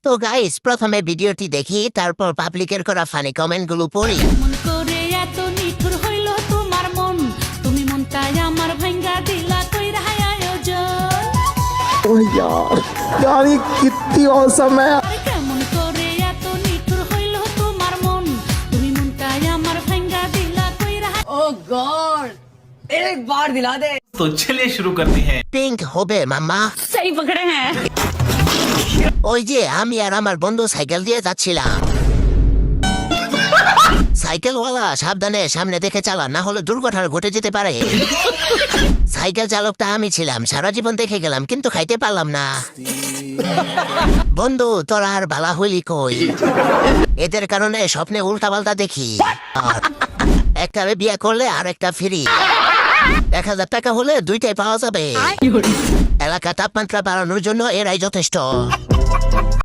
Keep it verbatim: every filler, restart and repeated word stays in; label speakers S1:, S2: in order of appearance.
S1: তো গাইস, প্রথমে ভিডিওটি দেখি, তারপর পাবলিকের করা ফানি কমেন্ট গুলো পড়ি।
S2: মন করে এত নিঠুর হইল তোমার মন, তুমি মনটাই আমার ভাঙ্গা দিলা কইরা আয়োজন।
S3: ओह यार यार ये कितनी औसम है।
S2: আরে কেমন করে এত নিঠুর হইল তোমার মন, তুমি মনটাই আমার ভাঙ্গা দিলা কইরা।
S4: ओह गॉड एक बार दिला दे।
S5: तो चलिए शुरू करते हैं।
S1: পিঙ্ক হবে মাম্মা।
S4: सही पकड़े हैं।
S1: ওই যে আমি আর আমার বন্ধু সাইকেল দিয়ে যাচ্ছিলাম। সাইকেলওয়ালা সাবধানে সামনে দেখে চালা, না হলে দুর্ঘটনা ঘটে যেতে পারে। সাইকেল চালকটা আমি ছিলাম, সারা জীবন দেখে গেলাম কিন্তু খাইতে পারলাম না। বন্ধু তোরা আর বালা হইলি কই? এদের কারণে স্বপ্নে উল্টা পাল্টা দেখি। আর একটা বিয়ে করলে আর একটা ফ্রি। এক হাজার টাকা হলে দুইটাই পাওয়া যাবে। এলাকা তাপমাত্রা বাড়ানোর জন্য এরাই যথেষ্ট।